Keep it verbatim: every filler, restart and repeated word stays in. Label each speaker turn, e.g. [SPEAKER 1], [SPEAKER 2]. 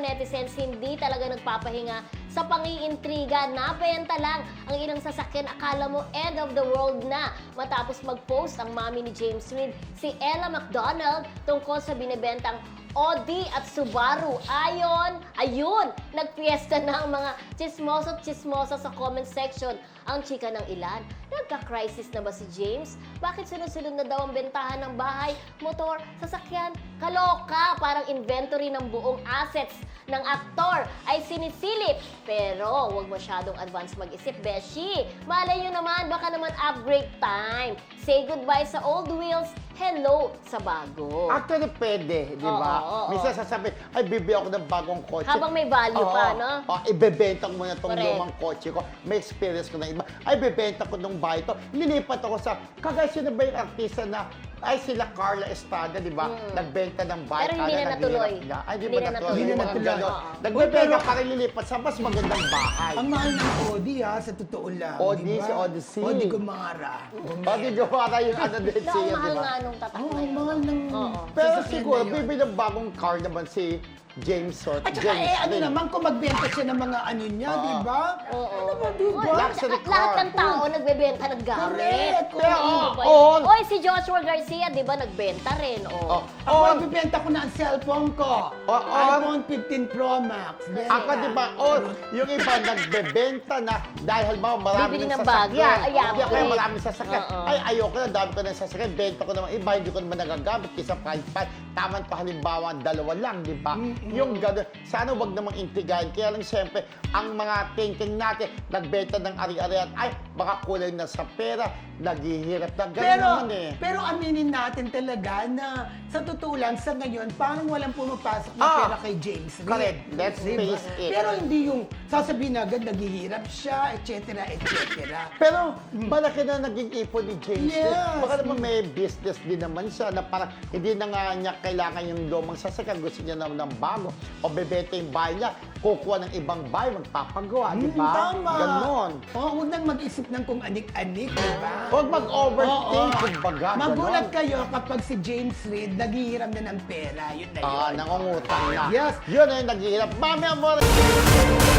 [SPEAKER 1] netizens hindi talaga nagpapahinga sa pangiintriga. Nabenta lang ang ilang sasakyan. Akala mo end of the world na matapos mag-post ang mami ni James Reid, si Ella McDonald, tungkol sa binibentang Audi at Subaru. Ayon, ayun, nagpiesta na ang mga chismoso at chismosa sa comment section. Ang chika ng ilan, nagka-crisis na ba si James? Bakit sunod-sunod na daw ang bentahan ng bahay, motor, sasakyan? Kaloka, parang inventory ng buong assets ng aktor ay sinisilip. Pero huwag masyadong advance mag-isip, Beshi. Malay nyo naman, baka naman upgrade time. Say goodbye sa old wheels, hello sa bago.
[SPEAKER 2] Actually, pwede, di ba?
[SPEAKER 1] Oo, oo,
[SPEAKER 2] Minsan
[SPEAKER 1] oo.
[SPEAKER 2] sasabi, ay, bibili ako ng bagong kotse.
[SPEAKER 1] Habang may value
[SPEAKER 2] Oo,
[SPEAKER 1] pa, no?
[SPEAKER 2] Oo, ibebenta ko muna itong
[SPEAKER 1] Correct.
[SPEAKER 2] lumang kotse ko. May experience ko na iba. Ay, bibenta ko nung bahay to. Nilipat ako sa, kagaya sino ba yung artista na, ay sila Carla Estrada, di ba?
[SPEAKER 1] Mm.
[SPEAKER 2] Nagbenta ng bahay.
[SPEAKER 1] Pero hindi
[SPEAKER 2] kala
[SPEAKER 1] na natuloy.
[SPEAKER 2] naghihirap na. Ay, di
[SPEAKER 1] Hindi
[SPEAKER 2] ba
[SPEAKER 1] na
[SPEAKER 2] natuloy?
[SPEAKER 1] natuloy.
[SPEAKER 3] Hindi na
[SPEAKER 2] Mga
[SPEAKER 3] natuloy.
[SPEAKER 2] ganon.
[SPEAKER 1] Oo.
[SPEAKER 2] Nagbebenta
[SPEAKER 3] Pero-
[SPEAKER 2] para lilipat sa mas magandang bahay.
[SPEAKER 3] Ang mahal ng Audi ha, sa totoo lang.
[SPEAKER 2] Audi,
[SPEAKER 3] di ba?
[SPEAKER 2] si Odyssey.
[SPEAKER 3] Audi Gumara.
[SPEAKER 2] O, di gawara yung ano din
[SPEAKER 1] Na,
[SPEAKER 2] siya,
[SPEAKER 1] ang
[SPEAKER 2] di
[SPEAKER 1] mahal
[SPEAKER 2] ba?
[SPEAKER 1] nga nung tatak
[SPEAKER 3] Oo,
[SPEAKER 1] na
[SPEAKER 3] ang
[SPEAKER 1] yun.
[SPEAKER 3] mahal ng
[SPEAKER 1] Oo.
[SPEAKER 2] Pero
[SPEAKER 3] sasakyan
[SPEAKER 2] siguro,
[SPEAKER 3] na yun.
[SPEAKER 2] bibili ng bagong car naman si James Sort.
[SPEAKER 3] At saka
[SPEAKER 2] James
[SPEAKER 3] eh, ano
[SPEAKER 2] Reid.
[SPEAKER 3] naman kung magbenta siya ng mga ano niya,
[SPEAKER 2] Oo.
[SPEAKER 3] di ba?
[SPEAKER 1] Oo.
[SPEAKER 3] Ano ba, di ba?
[SPEAKER 1] Oy,
[SPEAKER 2] Luxury
[SPEAKER 1] at lahat
[SPEAKER 2] car.
[SPEAKER 1] ng tao nagbebenta ng gamit.
[SPEAKER 3] Correct,
[SPEAKER 2] Pero,
[SPEAKER 1] Oo,
[SPEAKER 2] oo,
[SPEAKER 1] ba?
[SPEAKER 2] oo.
[SPEAKER 1] Oy, si Joshua Garcia, di ba, nagbenta rin.
[SPEAKER 2] Oh.
[SPEAKER 1] Oh.
[SPEAKER 3] Ako,
[SPEAKER 2] Oh,
[SPEAKER 3] nagbibenta ko na ang cellphone ko.
[SPEAKER 2] Oo.
[SPEAKER 3] iPhone fifteen Pro Max. Benta.
[SPEAKER 2] Ako, di ba, oh, yung iba nagbebenta na dahil halimbawa marami
[SPEAKER 1] Bibili
[SPEAKER 2] ng
[SPEAKER 1] ng bago.
[SPEAKER 2] sasakyan.
[SPEAKER 1] Ay,
[SPEAKER 2] Hindi ako
[SPEAKER 1] upgrade.
[SPEAKER 2] maraming sasakyan.
[SPEAKER 1] Oo.
[SPEAKER 2] Ay, ayoko na, dami ko ng sasakyan. Benta ko naman iba, hindi ko naman nagagamit kaysa price fight. Taman pa halimbawa, dalawa lang, di ba? Yung gano'n. Sana wag namang intigahin. Kaya lang, siyempre, ang mga thinking natin, nagbenta ng ari-arian, ay, baka kulang na sa pera, naghihirap na. Ganun
[SPEAKER 3] Pero,
[SPEAKER 2] naman eh.
[SPEAKER 3] pero aminin natin talaga na sa totoo lang, sa ngayon, parang walang pumapasok na
[SPEAKER 2] Ah,
[SPEAKER 3] pera kay James Reid.
[SPEAKER 2] correct. Let's
[SPEAKER 3] Diba?
[SPEAKER 2] face it.
[SPEAKER 3] Pero hindi yung sasabihin na agad naghihirap siya, et cetera, et cetera.
[SPEAKER 2] Pero malaki na naging ipon ni James.
[SPEAKER 3] Yes.
[SPEAKER 2] Reid. Baka naman may business din naman siya na parang hindi na nga niya kailangan yung lumang sasakyan. Gusto niya naman ng bago. O bebenta yung bahay niya, kukuha ng ibang bahay, magpapagawa, di
[SPEAKER 3] Hmm,
[SPEAKER 2] ba?
[SPEAKER 3] tama.
[SPEAKER 2] Ganon.
[SPEAKER 3] Oo, huwag nang mag-isip ng kung anik-anik, di ba?
[SPEAKER 2] Huwag mag-overthink,
[SPEAKER 3] Oo.
[SPEAKER 2] kumbaga.
[SPEAKER 3] Magulat
[SPEAKER 2] ganon.
[SPEAKER 3] kayo kapag si James Reid naghihiram na ng pera. Yun na yun.
[SPEAKER 2] Ah, nangungutang na.
[SPEAKER 3] Yes.
[SPEAKER 2] Yun ay naghihirap. Mami, amor!